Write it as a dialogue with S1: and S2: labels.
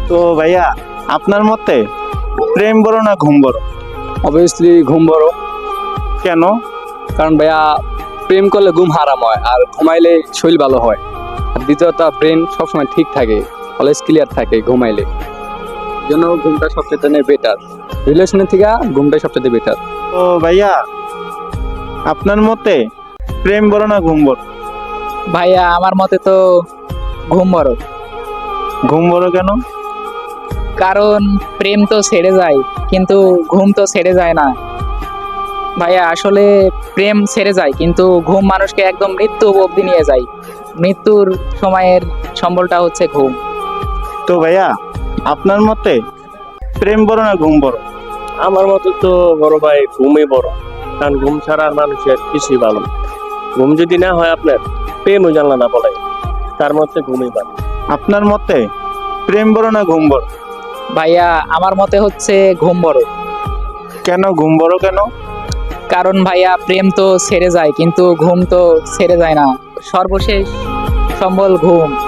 S1: তো ভাইয়া, আপনার মতে প্রেম বড় না ঘুম বড়?
S2: অবভিয়াসলি ঘুম বড়।
S1: কেন?
S2: কারণ ভাইয়া প্রেম করলে ঘুম হারাম হয়, আর ঘুমাইলে শরীর ভালো হয়। আর দ্বিতীয়ত ব্রেন সবসময় ঠিক থাকে, অলওয়েজ ক্লিয়ার থাকে ঘুমাইলে। এই জন্য ঘুমটা সবচেয়ে বেটার। রিলেশনের থেকে ঘুমটাই সবচেয়ে বেটার।
S1: তো ভাইয়া, আপনার মতে প্রেম বড় না ঘুম বড়?
S3: ভাইয়া আমার মতে তো ঘুম বড়।
S1: ঘুম বড় কেন?
S3: কারণ প্রেম তো ছেড়ে যায়, কিন্তু ঘুম তো ছেড়ে যায় না। ভাইয়া আসলে প্রেম ছেড়ে যায়, কিন্তু ঘুম মানুষকে একদম মৃত্যু অবধি নিয়ে যায়। মৃত্যুর সময়ের সম্বলটা হচ্ছে ঘুম।
S1: তো ভাইয়া, আপনার মতে প্রেম বড় না ঘুম বড়?
S4: আমার মতে তো বড় ভাই ঘুমই বড়। কারণ ঘুম ছাড়া আর মানুষের কিছুই ভালো না। ঘুম যদি না হয় আপনার, প্রেমও জানলা না বলে, তার মধ্যে ঘুমই ভালো।
S1: আপনার মতে প্রেম বড় না ঘুম বড়?
S3: ভাইয়া আমার মতে হচ্ছে ঘুম বড়।
S1: কেন ঘুম বড় কেন?
S3: কারণ ভাইয়া প্রেম তো ছেড়ে যায়, কিন্তু ঘুম তো ছেড়ে যায় না। সর্বশেষ সম্বল ঘুম।